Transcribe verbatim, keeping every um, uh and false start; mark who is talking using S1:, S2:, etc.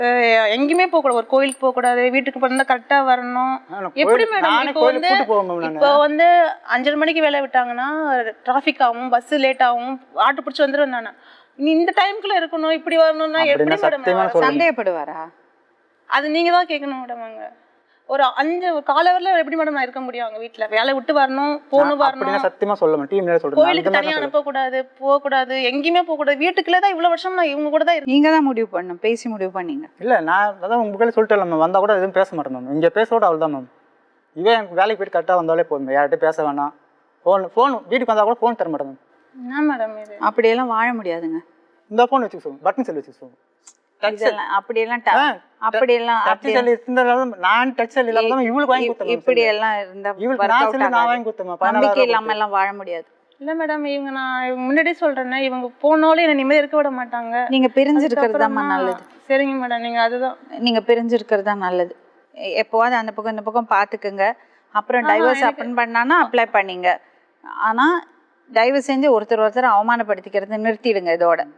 S1: எங்கேயுமே போக கூடாது, ஒரு கோயிலுக்கு போக கூடாது, வீட்டுக்கு பண்ணா கரெக்டா வரணும். எப்படி மேடம் இப்போ வந்து இப்போ வந்து அஞ்சரை மணிக்கு வேலை விட்டாங்கன்னா டிராஃபிக் ஆகும், பஸ் லேட் ஆகும், ஆட்டோ பிடிச்சி வந்துடுவேன் நான். நீ இந்த டைம்குள்ள இருக்கணும், இப்படி வரணும்னா எப்படி மேடம்?
S2: சந்தேகப்படுவாரா?
S1: அது நீங்க தான் கேட்கணும் மேடம். அங்க ஒரு அஞ்சு காலவரில் எப்படி மேடம் நான் இருக்க முடியும்? அவங்க வீட்டுல வேலை விட்டு வரணும், போகணும், வரணும்.
S3: சத்தியமா சொல்ல மாட்டேன்.
S1: கோயிலுக்கு தனியா அனுப்பக்கூடாது, போகக்கூடாது, எங்கேயுமே போகக்கூடாது. வீட்டுக்குள்ளே தான் இவ்வளவு வருஷம் நான் இவங்க கூட தான் இருக்கேன்.
S2: நீங்க தான் முடிவு பண்ணணும், பேசி முடிவு பண்ணீங்க.
S3: இல்ல நான் அதான் உங்க கையில சொல்லிட்டேன் மேம், வந்தா கூட எதுவும் பேச மாட்டேன் மேம். இங்க பேசோட அவள் தான் மேம். இவன் எனக்கு வேலைக்கு போயிட்டு கரெக்டாக வந்தாலே போதும், யார்கிட்டையும் பேச வேணாம். ஃபோன் ஃபோன் வீட்டுக்கு வந்தால் கூட ஃபோன் தர மாட்டேன் மேம்.
S1: என்ன மேடம் இது?
S2: அப்படியெல்லாம் வாழ முடியாதுங்க.
S3: இந்த ஃபோன் வச்சுக்க சொல்லுங்க, பட்டன் செல் வச்சுக்க சொல்லுங்க.
S2: அப்படியெல்லாம் அப்படியெல்லாம்
S3: நான் டச் செல் இல்லாம தான் இவளுக்கு வாங்கி கொடுத்தேன்.
S2: இப்படி எல்லாம் இருந்தா
S3: நான் வாங்கி கொடுத்தேன்.
S2: நம்பிக்கை இல்லாம எல்லாம் வாழ முடியாது.
S1: இல்ல மேடம், இவங்க நான் இவங்க முன்னாடியே சொல்றேன்னா இவங்க போனாலும் என்ன நிம்மதி இருக்க விட மாட்டாங்க.
S2: நீங்க பிரிஞ்சிருக்கிறது தான் நல்லது.
S1: சரிங்க மேடம், நீங்க அதுதான்
S2: நீங்க பிரிஞ்சிருக்கிறது தான் நல்லது. எப்போவாது அந்த பக்கம் இந்த பக்கம் பாத்துக்குங்க. அப்புறம் டைவர்ஸ் அப்ளை பண்ணானா அப்ளை பண்ணீங்க. ஆனா தயவு செஞ்சு ஒருத்தர் ஒருத்தர் அவமானப்படுத்திக்கிறது நிறுத்திடுங்க இதோட.